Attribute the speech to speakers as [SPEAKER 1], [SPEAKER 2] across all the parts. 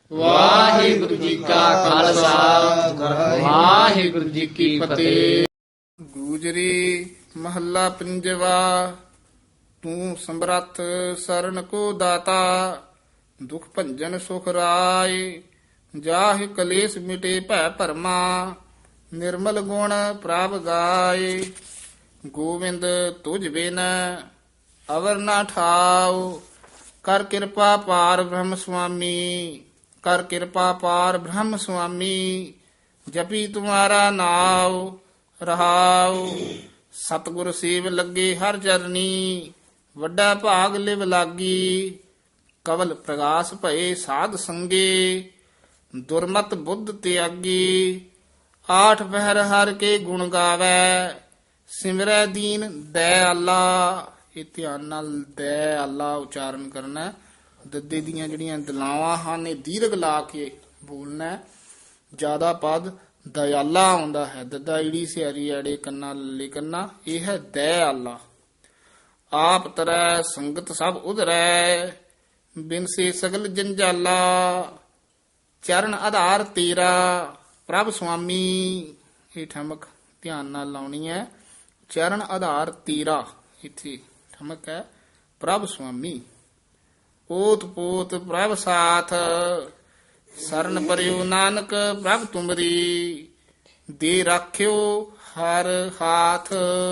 [SPEAKER 1] ਵਾਹਿਗੁਰੂ ਜੀ ਕਾ ਖਾਲਸਾ ਵਾਹਿਗੁਰੂ ਜੀ ਕੀ ਫਤਿਹ।
[SPEAKER 2] ਗੂਜਰੀ ਮਹੱਲਾ ਪੰਜਵਾ। ਤੂੰ ਸਮਰੱਥ ਸਰਨ ਕੋ ਦਾਤਾ, ਦੁਖ ਭੰਜਨ ਸੁਖ ਰਾਏ। ਜਾਹਿ ਕਲੇਸ਼ ਮਿਟੇ ਭੈ ਭਰਮਾ, ਨਿਰਮਲ ਗੁਣ ਪ੍ਰਭ ਗਾਏ। ਗੋਵਿੰਦ ਤੁਝ ਬਿਨ ਅਵਰ ਨਾ ਠਾਉ, ਕਰ ਕਿਰਪਾ ਪਾਰ ਬ੍ਰਹਮ ਸੁਆਮੀ। ਕਰ ਕਿਰਪਾ ਪਾਰ ਬ੍ਰਹਮ ਸੁਆਮੀ, ਜਪੀ ਤੁਮਾਰਾ ਨਾਉ ਰਹਾਉ। ਸਤਿਗੁਰ ਸੇਵ ਲੱਗੇ ਹਰ ਚਰਨੀ, ਵੱਡਾ ਭਾਗ ਲਿਵ ਲਾਗੀ। ਕਵਲ ਪ੍ਰਗਾਸ ਭਏ ਸਾਧ ਸੰਗੇ, ਦੁਰਮਤ ਬੁੱਧ ਤਿਆਗੀ। ਆਠ ਪਹਿਰ ਹਰ ਕੇ ਗੁਣ ਗਾਵੇ, ਸਿਮਰੈ ਦੀਨ ਦਇਆਲਾ। ਇਹ ਧਿਆਨ ਨਾਲ ਦਇਆਲਾ ਉਚਾਰਨ ਕਰਨਾ ਹੈ। ਦੱਦੇ ਦੀਆਂ ਜਿਹੜੀਆਂ ਦਲਾਵਾਂ ਹਨ ਇਹ ਦੀਰਘ ਲਾ ਕੇ ਬੋਲਣਾ ਹੈ। ਜ਼ਿਆਦਾ ਪਦ ਦਇਆਲਾ ਆਉਂਦਾ ਹੈ। ਦੱਦਾ ਈੜੀ ਸਿਆਰੀ ਐੜੇ ਕੰਨਾ ਲੱਲੇ ਕੰਨਾ, ਇਹ ਹੈ ਦਇਆਲਾ। ਆਪ ਤਰੈ ਸੰਗਤ ਸਭ ਉਧਰੈ, ਬਿਨ ਸੇ ਸਗਲ ਜੰਜਾਲਾ। ਚਰਨ ਆਧਾਰ ਤੇਰਾ ਪ੍ਰਭ ਸੁਆਮੀ, ਇਹ ਠਮਕ ਧਿਆਨ ਨਾਲ ਲਾਉਣੀ ਹੈ। ਚਰਨ ਆਧਾਰ ਤੇਰਾ, ਇੱਥੇ ਠਮਕ ਹੈ ਪ੍ਰਭ ਸੁਆਮੀ। ਓਤ ਪੋਤ ਪ੍ਰਭ ਸਾਥ, ਸਰਨ ਪਰਿਉ ਨਾਨਕ ਪ੍ਰਭ ਤੁਮਰੀ। ਦੇ ਰਾਖਿਓ ਹਰ ਹਾਥ।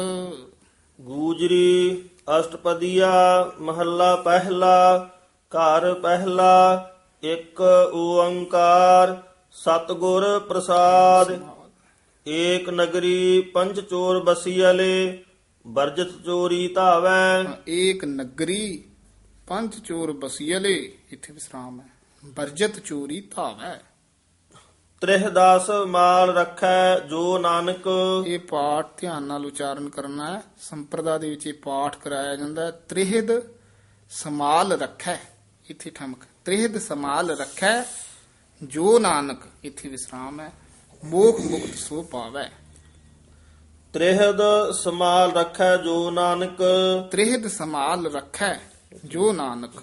[SPEAKER 3] ਗੂਜਰੀ ਅਸ਼ਟਪਦੀਆ ਮਹੱਲਾ ਪਹਿਲਾ। ਘਰ ਪਹਿਲਾ ਇੱਕ ਓੰਕਾਰ, ਸਤਿਗੁਰ ਪ੍ਰਸਾਦ। ਏਕ ਨਗਰੀ ਪੰਚ ਚੋਰ ਬਸੀਅਲੇ, ਵਰਜਤ ਚੋਰੀ ਧਾਵੈ।
[SPEAKER 2] ਏਕ ਨਗਰੀ ਪੰਜ ਚੋਰ ਬਸੀਅਲੇ, ਇੱਥੇ ਵਿਸਰਾਮ ਹੈ। ਵਰਜਤ ਚੋਰੀ ਧਾਵੈ।
[SPEAKER 3] ਤ੍ਰਿਹ ਦਸ ਮਾਲ ਰੱਖੈ ਜੋ ਨਾਨਕ।
[SPEAKER 2] ਇਹ ਪਾਠ ਧਿਆਨ ਨਾਲ ਉਚਾਰਨ ਕਰਨਾ ਹੈ। ਸੰਪਰਦਾ ਦੇ ਵਿੱਚ ਇਹ ਪਾਠ ਕਰਾਇਆ ਜਾਂਦਾ ਹੈ। ਤ੍ਰਿਹਦ ਸਮਾਲ ਰੱਖੈ, ਇੱਥੇ ਠਮਕ। ਤ੍ਰਿਹਦ ਸਮਾਲ ਰੱਖੈ ਜੋ ਨਾਨਕ, ਇੱਥੇ ਵਿਸਰਾਮ ਹੈ। ਮੋਖ ਮੁਕਤ ਸੋ ਪਾਵੈ।
[SPEAKER 3] ਤ੍ਰਿਹਦ ਸਮਾਲ ਰੱਖੈ ਜੋ ਨਾਨਕ।
[SPEAKER 2] ਤ੍ਰਿਹਦ ਸਮਾਲ ਰੱਖੈ ਜੋ ਨਾਨਕ।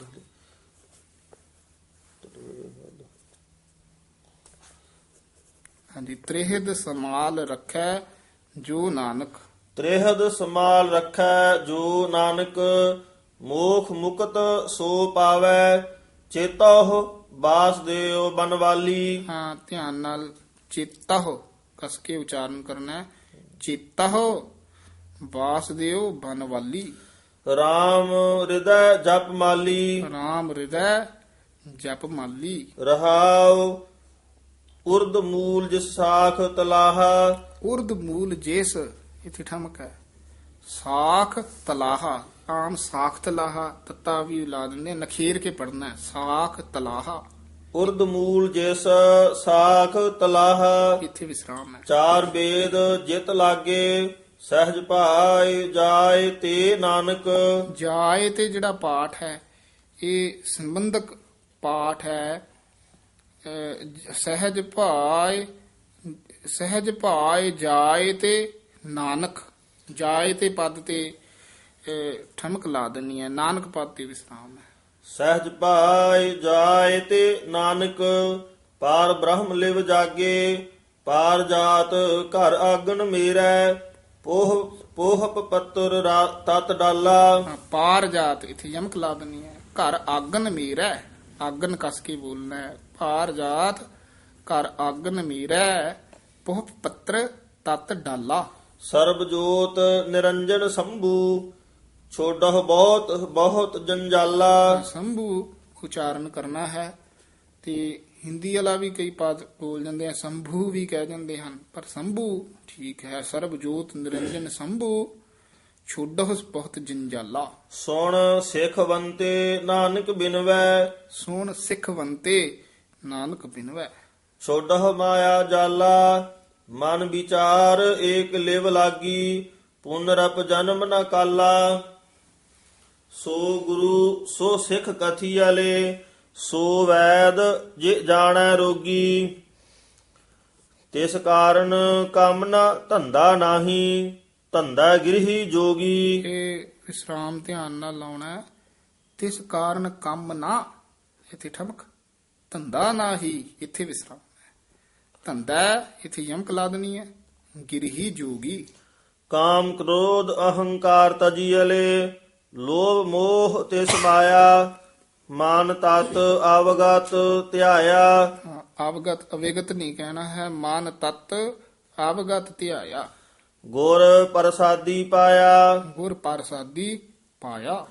[SPEAKER 2] ਹਾਂਜੀ, ਤ੍ਰਿਹਦ ਸਮਾਲ ਰੱਖੈ ਜੋ ਨਾਨਕ।
[SPEAKER 3] ਤ੍ਰਿਹਦ ਸਮਾਲ ਰੱਖੈ ਜੋ ਨਾਨਕ, ਮੋਖ ਮੁਕਤ ਸੋ ਪਾਵੈ। ਚੇਤਹੁ ਬਾਸਦੇਵ ਬਨਵਾਲੀ।
[SPEAKER 2] ਹਾਂ, ਧਿਆਨ ਨਾਲ ਚੇਤਹੁ ਕਸ ਕੇ ਉਚਾਰਨ ਕਰਨਾ ਹੈ। ਚੇਤਹੁ ਬਾਸਦੇਵ ਬਨਵਾਲੀ।
[SPEAKER 3] ਰਾਮ ਹਿਰਦੈ ਜਪ ਮਾਲੀ।
[SPEAKER 2] ਰਾਮ ਹਿਰਦੈ ਜਪ ਮਾਲੀ।
[SPEAKER 3] ਰਹਾਉ ਉਰਦ ਮੂਲ ਜਿਸ ਸਾਖ ਤਲਾਹਾ।
[SPEAKER 2] ਉਰਦ ਮੂਲ ਜਿਸ, ਇੱਥੇ ਠਮਕ ਹੈ। ਸਾਖ ਤਲਾਹਾ, ਆਮ ਸਾਖ ਤਲਾਹਾ ਤੱਤਾ ਵੀ ਲਾ ਦਿੰਦੇ, ਨਖੇਰ ਕੇ ਪੜਨਾ ਹੈ। ਸਾਖ ਤਲਾਹਾ,
[SPEAKER 3] ਉਰਦ ਮੂਲ ਜਿਸ ਸਾਖ ਤਲਾਹਾ।
[SPEAKER 2] ਇੱਥੇ ਵਿਸਰਾਮ ਹੈ।
[SPEAKER 3] ਚਾਰ ਵੇਦ ਜਿਤ ਲਾਗੇ, ਸਹਿਜ ਭਾਇ ਜਾਏ ਤੇ ਨਾਨਕ।
[SPEAKER 2] ਜਾਏ ਤੇ ਜਿਹੜਾ ਪਾਠ ਹੈ ਇਹ ਸੰਬੰਧਕ ਪਾਠ ਹੈ। ਸਹਿਜ ਭਾਇ, ਸਹਿਜ ਭਾਇ ਜਾਏ ਤੇ ਨਾਨਕ। ਜਾਏ ਤੇ ਪਦ ਤੇ ਠਮਕ ਲਾ ਦੇਣੀ ਹੈ। ਨਾਨਕ ਪਦ ਤੇ ਵਿਸਰਾਮ ਹੈ।
[SPEAKER 3] ਸਹਿਜ ਭਾਇ ਜਾਏ ਤੇ ਨਾਨਕ, ਪਾਰ ਬ੍ਰਹਮ ਲਿਵ ਜਾਗੇ। ਪਾਰ ਜਾਤ ਘਰ ਆਗਨ ਮੇਰੈ, ਪੋਹਪ ਪੱਤਰ ਤਤ ਡਾਲਾ।
[SPEAKER 2] ਪਾਰ ਜਾਤ, ਇੱਥੇ ਯਮਕ ਲਾ ਦੇਣੀ ਹੈ। ਘਰ ਆਗਨ ਮੇਰਾ, ਆਗਨ ਕਸ ਕੇ ਬੋਲਣਾ ਹੈ। ਪਾਰ ਜਾਤ ਘਰ ਆਗਨ ਮੇਰਾ, ਪੋਹਪ ਪੱਤਰ ਤਤ ਡਾਲਾ।
[SPEAKER 3] ਸਰਬ ਜੋਤ ਨਿਰੰਜਨ ਸੰਭੂ, ਛੋਡਹ ਬਹੁਤ ਬਹੁਤ ਜੰਜਾਲਾ।
[SPEAKER 2] ਸੰਭੂ ਉਚਾਰਨ ਕਰਨਾ ਹੈ। ਤੇ ਹਿੰਦੀ ਵਾਲਾ ਵੀ ਕਈ ਪਦ ਬੋਲ ਜਾਂਦੇ ਆ, ਸੰਭੂ ਵੀ ਕਹਿ ਜਾਂਦੇ ਹਨ, ਪਰ ਸੰਭੂ ਠੀਕ ਹੈ। ਸਰਬ ਜੋਤ ਨਿਰੰਜਨ ਸੰਭੂ, ਛੋਡਹ ਬਹੁਤ ਜੰਜਾਲਾ।
[SPEAKER 3] ਸੁਣ ਸਿੱਖ ਬੰਤੇ ਨਾਨਕ ਬਿਨਵੈ।
[SPEAKER 2] ਸੁਣ ਸਿੱਖਵੰਤੇ ਨਾਨਕ ਬਿਨਵੈ।
[SPEAKER 3] ਛੋਡਹ ਮਾਇਆ ਜਾਲਾ, ਮਨ ਵਿਚਾਰ ਏਕ ਲਿਵ ਲਾਗੀ। ਪੁਨਰਪ ਜਨਮ ਨ ਕਾਲਾ। ਸੋ ਗੁਰੂ ਸੋ ਸਿੱਖ ਕਥੀਆਲੇ, ਸੋ ਵੈਦ ਜੇ ਜਾਣੈ ਰੋਗੀ। ਤਿਸ ਕਾਰਨ ਕੰਮ ਨ ਧੰਦਾ ਨਾਹੀ, ਧੰਦਾ ਗਿਰਹੀ ਜੋਗੀ।
[SPEAKER 2] ਇਹ ਵਿਸਰਾਮ ਧਿਆਨ ਨਾਲ ਲਾਉਣਾ ਹੈ। ਤਿਸ ਕਾਰਨ ਕੰਮ ਨਾ, ਇੱਥੇ ਠਮਕ। ਧੰਦਾ ਨਾਹੀ, ਇੱਥੇ ਵਿਸਰਾਮ ਹੈ। ਧੰਦਾ ਇੱਥੇ ਯਮਕ ਲਾ ਦੇਣੀ ਹੈ। ਗਿਰਹੀ ਜੋਗੀ,
[SPEAKER 3] ਕਾਮ ਕ੍ਰੋਧ ਅਹੰਕਾਰ ਤਜੀਅਲੇ ਲੋਭ ਮੋਹ ਤੇ ਸਮਾਇਆ ਮਾਨ ਤਤ ਆਵਗਤ ਧਿਆਇਆ।
[SPEAKER 2] ਹਾਂ, ਆਵਗਤ ਅਵੇਗਤ ਨਹੀਂ ਕਹਿਣਾ ਹੈ। ਮਾਨ ਤਤ ਆਵਗਤ ਧਿਆਇਆ,
[SPEAKER 3] ਗੁਰ ਪ੍ਰਸਾਦੀ ਪਾਇਆ
[SPEAKER 2] ਗੁਰ ਪ੍ਰਸਾਦੀ ਪਾਇਆ।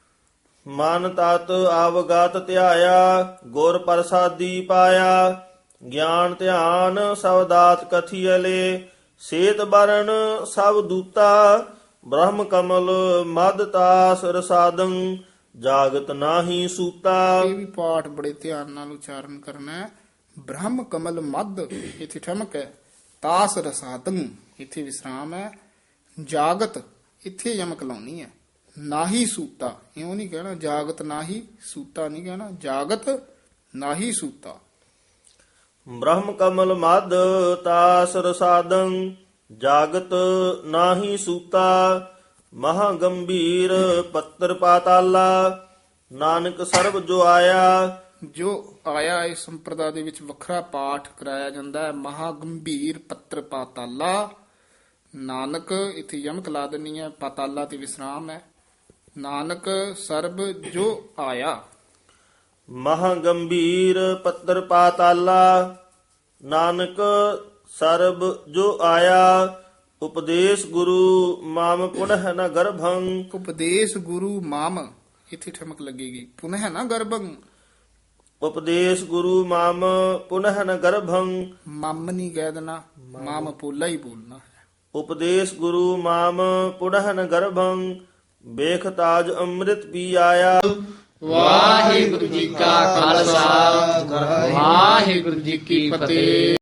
[SPEAKER 3] ਮਨ ਤਤ ਆਵਗਤ ਧਿਆਇਆ ਗੁਰ ਪ੍ਰਸਾਦੀ ਪਾਇਆ। ਗਿਆਨ ਧਿਆਨ ਸਬਦਾਤ ਕਥੀਅਲੇ ਸੇਤ ਬਰਨ ਸਭ ਦੂਤਾ ਬ੍ਰਹਮ ਕਮਲ ਮਦ ਤਾਸ ਰਸਾਦੰ ਜਾਗਤ ਨਾਹੀ ਸੂਤਾ।
[SPEAKER 2] ਇਹ ਵੀ ਪਾਠ ਬੜੇ ਧਿਆਨ ਨਾਲ ਉਚਾਰਨ ਕਰਨਾ ਹੈ। ਬ੍ਰਹਮ ਕਮਲ ਮਦ, ਇੱਥੇ ਠਮਕ ਹੈ। ਤਾਸ ਰਸਾਦੰ, ਇੱਥੇ ਵਿਸਰਾਮ ਹੈ। ਜਾਗਤ, ਇੱਥੇ ਯਮਕ ਲਾਉਣੀ ਹੈ। ਨਾਹੀ ਸੂਤਾ, ਇਉਂ ਨਹੀਂ ਕਹਿਣਾ ਜਾਗਤ ਨਾਹੀ ਸੂਤਾ ਨਹੀਂ ਕਹਿਣਾ, ਜਾਗਤ ਨਾਹੀ ਸੂਤਾ।
[SPEAKER 3] ਬ੍ਰਹਮ ਕਮਲ ਮਦ ਤਾਸ ਰਸਾਦੰ ਜਾਗਤ ਨਾਹੀ ਸੂਤਾ। ਮਹਾ ਗੰਭੀਰ ਪੱਤਰ ਪਾਤਾਲਾ ਨਾਨਕ ਸਰਬ ਜੋ ਆਇਆ।
[SPEAKER 2] ਜੋ ਆਇਆ ਇਸ ਸੰਪਰਦਾ ਦੇ ਵਿੱਚ ਵੱਖਰਾ ਪਾਠ ਕਰਾਇਆ ਜਾਂਦਾ ਹੈ। ਮਹਾ ਗੰਭੀਰ ਪੱਤਰ ਪਾਤਾਲਾ, ਨਾਨਕ ਇੱਥੇ ਯਮਕ ਲਾ ਦੇਣੀ ਹੈ। ਪਾਤਾਲਾ ਤੇ ਵਿਸਰਾਮ ਹੈ। ਨਾਨਕ ਸਰਬ ਜੋ ਆਇਆ।
[SPEAKER 3] ਮਹਾ ਗੰਭੀਰ ਪੱਤਰ ਪਾਤਾਲਾ ਨਾਨਕ ਸਰਬ ਜੋ ਆਇਆ। ਉਪਦੇਸ਼ ਗੁਰੂ ਮਾਮ ਪੁਨਹ ਨ ਗਰਭੰ।
[SPEAKER 2] ਉਪਦੇਸ਼ ਗੁਰੂ ਮਾਮ, ਇੱਥੇ ਠਮਕ ਲੱਗੇਗੀ। ਪੁਨਹ ਨਾ ਗਰਭੰ,
[SPEAKER 3] ਉਪਦੇਸ਼ ਗੁਰੂ ਮਾਮ ਪੁਨਹ ਨ ਗਰਭੰ।
[SPEAKER 2] ਮਮ ਨਹੀਂ ਕਹਿ ਦੇਣਾ, ਮਾਮ ਪੋਲਾ ਹੀ ਬੋਲਣਾ ਹੈ।
[SPEAKER 3] ਉਪਦੇਸ਼ ਗੁਰੂ ਮਾਮ ਪੁਨਹ ਨ ਗਰਭੰ। ਵੇਖ ਤਾਜ ਅੰਮ੍ਰਿਤ ਪੀ ਆਇਆ।
[SPEAKER 1] ਵਾਹਿਗੁਰੂ ਜੀ ਕਾ ਖਾਲਸਾ ਵਾਹਿਗੁਰੂ ਜੀ ਕੀ ਫਤਿਹ।